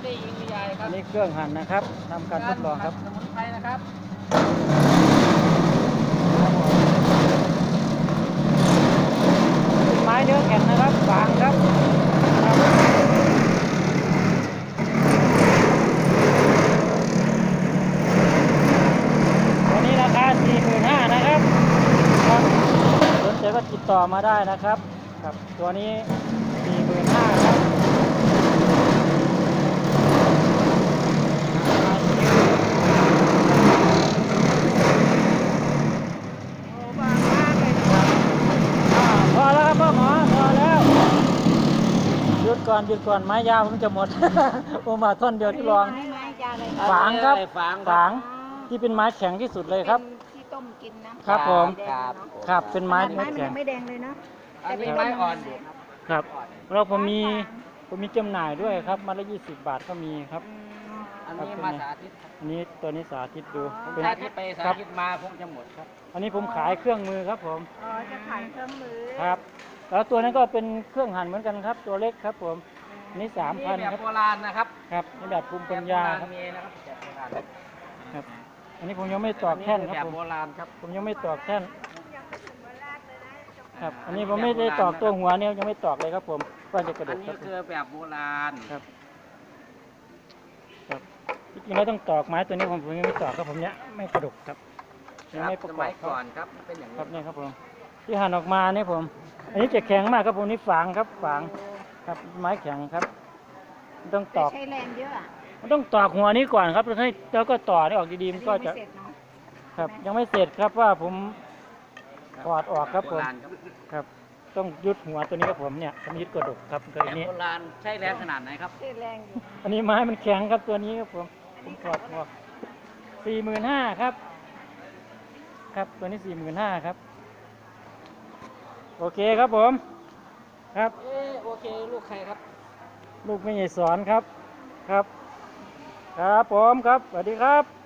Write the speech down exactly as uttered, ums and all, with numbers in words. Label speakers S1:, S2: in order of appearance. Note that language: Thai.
S1: ได้ยิงใหญ่ครับ
S2: นี่เครื่องหั่นนะครับทำการทดลองครับ
S1: สมุนไพรนะครับ
S2: เป็นไม้เนื้อแข็งนะครับฝางครับตัวนี้ราคา สี่หมื่นห้าพัน นะครับครับสนใจก็ติดต่อมาได้นะครับครับตัวนี้ สี่หมื่นห้าพัน ครับพอแล้วครับพ่อหมอพอแล้วหยุดก่อนหยุดก่อนไม้ยาวผมจะหมด ผมมาท่อนเดียวที่ลองฝางครับฝางที่เป็นไม้แข็งที่สุดเลยครับ
S3: ที่ต้มกินนะครับ
S2: ผม
S1: ครับ
S2: ครับเป็นไม้
S3: ไม้
S2: เนื้อ
S3: มัน
S2: แข็
S3: ยัง งไม่แดงเลยเนาะ
S1: อันนี้ไม้อ่อนอยู่ครับ
S2: ครับแล้วผมมีผมมีจำหน่ายด้วยครับมาละยี่สิบบาทก็มีครับ
S1: อันนี้มาสาธิต
S2: อันนี้ตัวนี้สาธิตดู
S1: ผมสาธิตไปสาธิตมาคงจะหมดครับ
S2: อันนี้ผมขายเครื่องมือครับผม
S3: อ๋อจะขายเครื่องมือ
S2: ครับ แล้วตัวนั้นก็เป็นเครื่องหั่นเหมือนกันครับ ตัวเล็กครับผมอันนี้สามพัน
S1: นี่แบ
S2: ครับ
S1: บโบราณนะครับ
S2: ครับในแบบภูมิปัญญาครับ
S1: มีนะครับแบบโบราณ
S2: ครับ อันนี้ผมยังไม่ตอกแท่นครับ
S1: แบบ
S2: ผม
S1: โบราณครับ
S2: ผมยังไม่ตอกแท่นครับ อันนี้ผมไม่ได้ตอกตัวหัวเนี่ยยังไม่ตอกเลยครับผมก็จะกระด
S1: อัน
S2: กค
S1: นี้
S2: รับ
S1: คือแบบโบราณ
S2: ครับครับจริงๆแล้วต้องตอกไม้ตัวนี้ผมผมยังไม่ตอกครับผมเนี้ยไม่กระดกครับยังไม่ประ
S1: ส
S2: กอ
S1: มั
S2: บ
S1: ย
S2: ครั
S1: ก่อบ นครับเป็นอย่าง
S2: ครั
S1: นี้
S2: บนี่ครับผมที่หั่นออกมาเนี่ยผม อันนี้จะแข็งมากครับผมนี่ฝางครับฝางครับไม้แข็งครับต้องต
S3: แต่
S2: อก
S3: ใช้แรงเยอะอ่ะ
S2: มันต้องตอกหัวนี้ก่อนครับแล้วให้แล้วก็ต่อนี่ออกดีๆมันก็
S3: อันนี้
S2: จะ
S3: ไม่เสร็จเนาะ
S2: ครับยังไม่เสร็จครับว่าผมถอดออกครับ
S1: โบ
S2: ผม
S1: ราณครับ
S2: ครับ ต้องยึดหัวตัวนี้ครับผมเนี่ยผมยึดกระดกครับตัว
S1: แบบ
S2: นี้
S1: โบราณใช้แรงขนาดไหนครับ
S3: ใช้แรงอยู่
S2: อันนี้ไม้มันแข็งครับตัวนี้ครับผมผมถอดออกสี่หมื่นห้าครับ ครับตัวนี้สี่หมื่นห้าครับโอเคครับผมครับ
S1: เออโอเคลูกใครครับ
S2: ลูกไม่ใหญ่สอนครับครับ ครับผมครับสวัสดีครับ